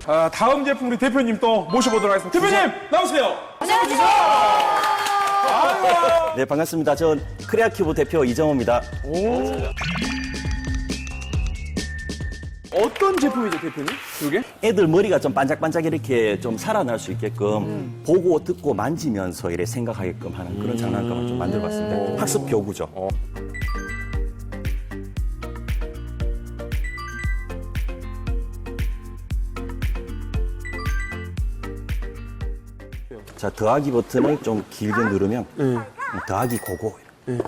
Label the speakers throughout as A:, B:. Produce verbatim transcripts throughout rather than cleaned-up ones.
A: 아, 다음 제품 우리 대표님 또 모셔보도록 하겠습니다. 대표님 나오세요.
B: 안녕하세요.
A: 아유.
C: 네, 반갑습니다. 전 크레아큐브 대표 이정호입니다.
A: 어떤 제품이죠, 대표님? 이게?
C: 애들 머리가 좀 반짝반짝 이렇게 좀 살아날 수 있게끔 음. 보고 듣고 만지면서 이렇게 생각하게끔 하는 그런 장난감을 좀 만들어봤습니다. 학습 교구죠. 어. 자, 더하기 버튼을 좀 길게 누르면
A: 네.
C: 더하기 고고. 네.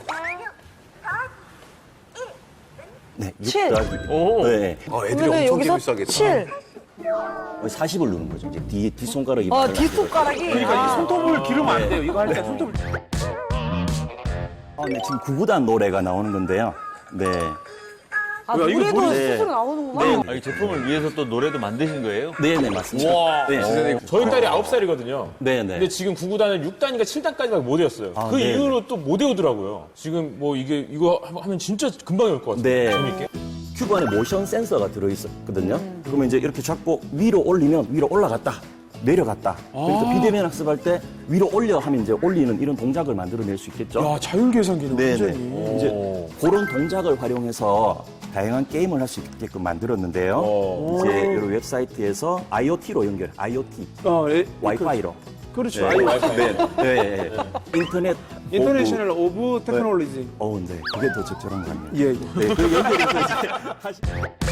C: 네, 육
B: 칠.
C: 더하기. 네.
D: 어, 애들이
B: 그러면
D: 엄청
B: 여기서
D: 재밌어하겠다.
B: 칠.
C: 사십을 누르는 거죠. 이제 뒤, 뒷손가락이.
B: 아,
C: 발라지고.
B: 뒷손가락이.
A: 그러니까
B: 아.
A: 이 손톱을 기르면 안 돼요. 이거 할 때 손톱을.
C: 아, 네, 지금 구구단 노래가 나오는 건데요. 네.
B: 아,
A: 야, 이거
B: 노래도
C: 노래-
B: 스스로 나오는구나.
C: 네.
E: 아, 이 제품을 위해서 또 노래도 만드신 거예요?
C: 네네, 맞습니다.
E: 와.
C: 네.
F: 저희 딸이 아홉 살이거든요.
C: 네네.
F: 근데 지금 구구 단을 육 단인가 칠 단까지밖에 못 외웠어요.
C: 아,
F: 그
C: 네.
F: 이후로 또 못 외우더라고요. 지금 뭐 이게, 이거 하면 진짜 금방 외울 것 같아요.
C: 네.
F: 재밌게.
C: 큐브 안에 모션 센서가 들어있었거든요. 그러면 이제 이렇게 잡고 위로 올리면 위로 올라갔다. 내려갔다. 그러니까 비대면 학습할 때 위로 올려 하면 이제 올리는 이런 동작을 만들어낼 수 있겠죠.
A: 야, 자율계산 기능.
C: 네네.
A: 완전히.
C: 이제 그런 동작을 활용해서 다양한 게임을 할 수 있게끔 만들었는데요.
F: 어.
C: 이제 이 웹사이트에서 아이오티로 연결, 아이오티,
A: 어, 예,
C: 와이파이로.
A: 그렇죠.
C: 네.
A: 아이오.
C: 네, 네, 네. 인터넷.
A: 인터내셔널 오브 테크놀로지.
C: 어, 네. 그게 더 적절한 것 같네요.
A: 예, 예.
C: 네, 그 연결해서 이제 하시...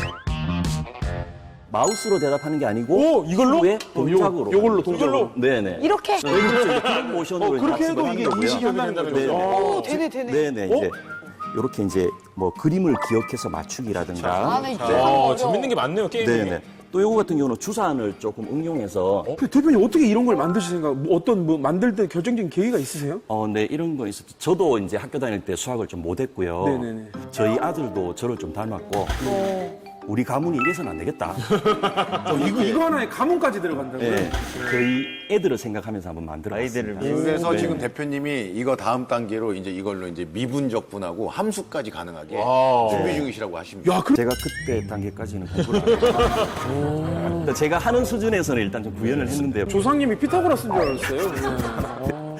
C: 마우스로 대답하는 게 아니고
A: 오, 이걸로?
C: 큐브의
A: 요-
C: 동작으로.
A: 요걸로, 동작으로?
C: 네네.
B: 이렇게.
C: 네, 그렇죠. 이제 그런 모션으로
A: 어, 그렇게
C: 이제
A: 해도
C: 학습을
A: 이게
C: 하는
A: 인식이
C: 거고요.
A: 한다는 거죠.
C: 네네.
B: 오, 되네, 되네.
C: 네네. 이제 이렇게 이제 뭐 그림을 기억해서 맞추기라든가.
B: 아, 나 이거
F: 아,
B: 어려워.
F: 재밌는 게 많네요, 게임이.
C: 네네. 또 요거 같은 경우는 주사안을 조금 응용해서
A: 그 대표님 어떻게 이런 걸 만드실 생각? 뭐 어떤 뭐 만들 때 결정적인 계기가 있으세요?
C: 어, 네, 이런 거 있었죠. 저도 이제 학교 다닐 때 수학을 좀 못했고요.
A: 네네네.
C: 저희 아들도 저를 좀 닮았고, 우리 가문이 이래서는 안 되겠다.
A: 어, 이거 이거 하나에 가문까지 들어간다고요?
C: 네, 저희 애들을 생각하면서 한번 만들어봤습니다.
E: 아이들을
D: 그래서
C: 네.
D: 지금 대표님이 이거 다음 단계로 이제 이걸로 이제 미분적분하고 함수까지 가능하게 준비 중이시라고 하십니다.
A: 야, 그
C: 제가 그때 단계까지는 공부를 안 했어요. 그러니까 제가 하는 수준에서는 일단 좀 구현을 했는데요.
A: 조상님이 피타고라스인 줄 알았어요.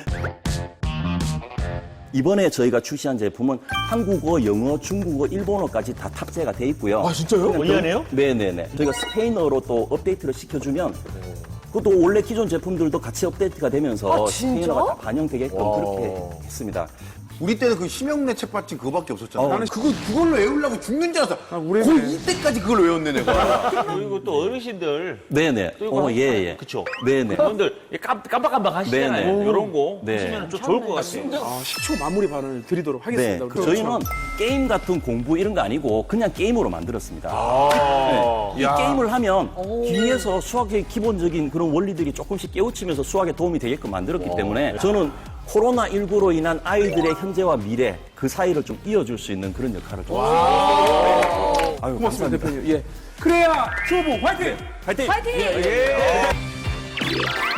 C: 이번에 저희가 출시한 제품은 한국어, 영어, 중국어, 일본어까지 다 탑재가 돼 있고요.
F: 아, 진짜요?
C: 그냥
E: 원리하네요?
C: 네네네. 저희가 스페인어로 또 업데이트를 시켜주면 그것도 원래 기존 제품들도 같이 업데이트가 되면서
B: 아, 진짜?
C: 스페인어가 다 반영되게끔 그렇게 했습니다.
D: 우리 때는 그 심형래 책받침 그거밖에 없었잖아.
C: 어.
D: 나는 그거 그걸로 외우려고 죽는 줄 알았어.
A: 우리
D: 거의 이때까지 그걸 외웠네 내가.
E: 그리고 또 어르신들.
C: 네네. 어, 예, 예.
E: 그쵸.
C: 네네.
E: 그분들 깜- 깜빡깜빡 하시잖아요.
C: 네네.
E: 이런 거
C: 네.
E: 보시면 좀 좋을 것 같아요.
A: 아, 십 초 마무리 발언을 드리도록
C: 네,
A: 하겠습니다.
C: 그 저희는 게임 같은 공부 이런 거 아니고 그냥 게임으로 만들었습니다. 네. 이 게임을 하면 뒤에서 수학의 기본적인 그런 원리들이 조금씩 깨우치면서 수학에 도움이 되게끔 만들었기 때문에 저는 코로나십구로 인한 아이들의 현재와 미래 그 사이를 좀 이어줄 수 있는 그런 역할을 좀 했습니다. 아유,
A: 고맙습니다, 대표님. 예. 크레아 큐브 화이팅!
C: 화이팅!
B: 파이팅!
A: 예.